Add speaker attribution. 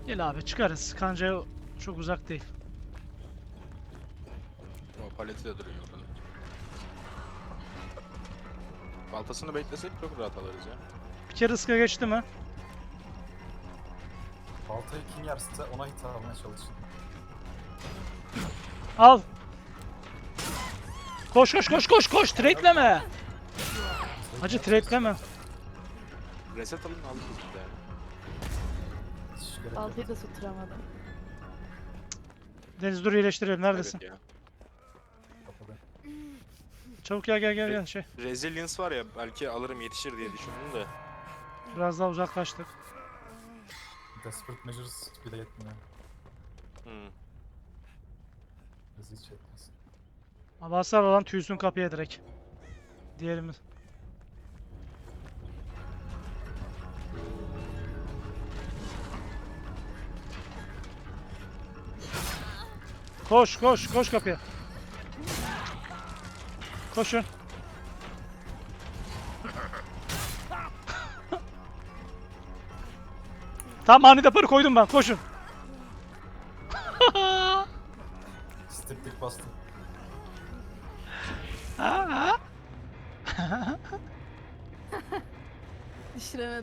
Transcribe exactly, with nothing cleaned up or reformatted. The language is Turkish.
Speaker 1: Gel abi çıkarız. Kancaya çok uzak değil.
Speaker 2: O paleti de duruyor orada. Baltasını beklesek çok rahat alırız ya.
Speaker 1: Bir kere ıska geçti mi?
Speaker 3: Baltayı kim yerse ona hit almaya çalışın.
Speaker 1: Al. Koş koş koş koş koş. Trade'leme. Hacı trade'leme.
Speaker 2: Reset alın alırız bir de.
Speaker 3: Hiç gerek yok.
Speaker 4: Baltayı da tutturamadım.
Speaker 1: Deniz dur iyileştirelim. Neredesin?
Speaker 2: Evet ya.
Speaker 3: Kapıda.
Speaker 1: Çabuk gel gel gel gel şey.
Speaker 2: Resilience var ya belki alırım yetişir diye düşündüm de.
Speaker 1: Biraz daha uzaklaştık.
Speaker 3: Desperate Measures bile yetmiyor.
Speaker 2: Hmm.
Speaker 3: Bizi hiç yetmez.
Speaker 1: Abi hasar alan tüysün kapıya direkt. Diğerimiz. Koş koş koş kapıya. Koşun. Tamam anide parı koydum ben koşun.
Speaker 3: Steplik bastım.
Speaker 4: Düşüremedim.